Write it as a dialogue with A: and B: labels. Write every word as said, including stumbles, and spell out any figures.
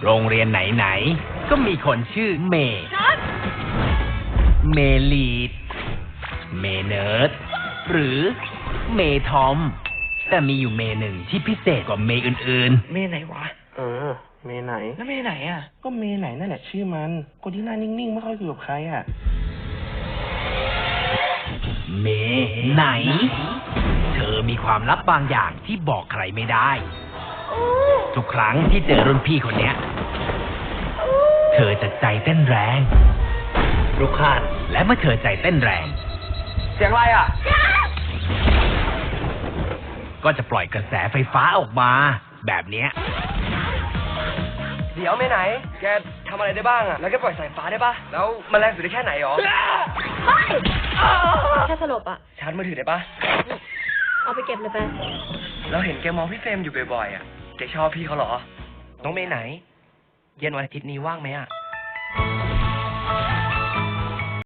A: โรงเรียนไหนๆก็มีคนชื่อเมย์เมลีดเมเนิร์ดหรือเมทอมแต่มีอยู่เมหนึ่งที่พิเศษกว่าเมอื่นๆ
B: เมไหนวะ
C: เออ เมไหน
B: แล้วเมไหนอ่ะ
C: ก็เมไหนนั่นแหละชื่อมัน คนที่หน้านิ่งๆไม่ค่อยคุยกับใครอ่ะ
A: เมไหน เธอมีความลับบางอย่างที่บอกใครไม่ได้ ทุกครั้งที่เจอรุ่นพี่คนเนี้ย เธอจะใจเต้นแรงรุกขานและเมื่อเธอใจเต้นแรง
B: เสียงอะไรอ่ะ
A: ก็จะปล่อยกระแสไฟฟ้าออกมา แบบเนี้ย
B: เดี๋ยวเมไหน แกทำอะไรได้บ้างอ่ะ แล้วแกปล่อยสายฟ้าได้ปะแล้วมันแรงสุดได้แค่ไหนหรอ
D: แค่สลบอ่ะ
B: ชาร์จมือถือได้ปะ
D: เอาไปเก็บเลยไป
B: เราเห็นแกมองพี่เฟรมอยู่บ่อยๆอ่ะ แกชอบพี่เขาเหรอ น้องเมไหน เย็นวันอาทิตย์นี้ว่างไหมอ่ะ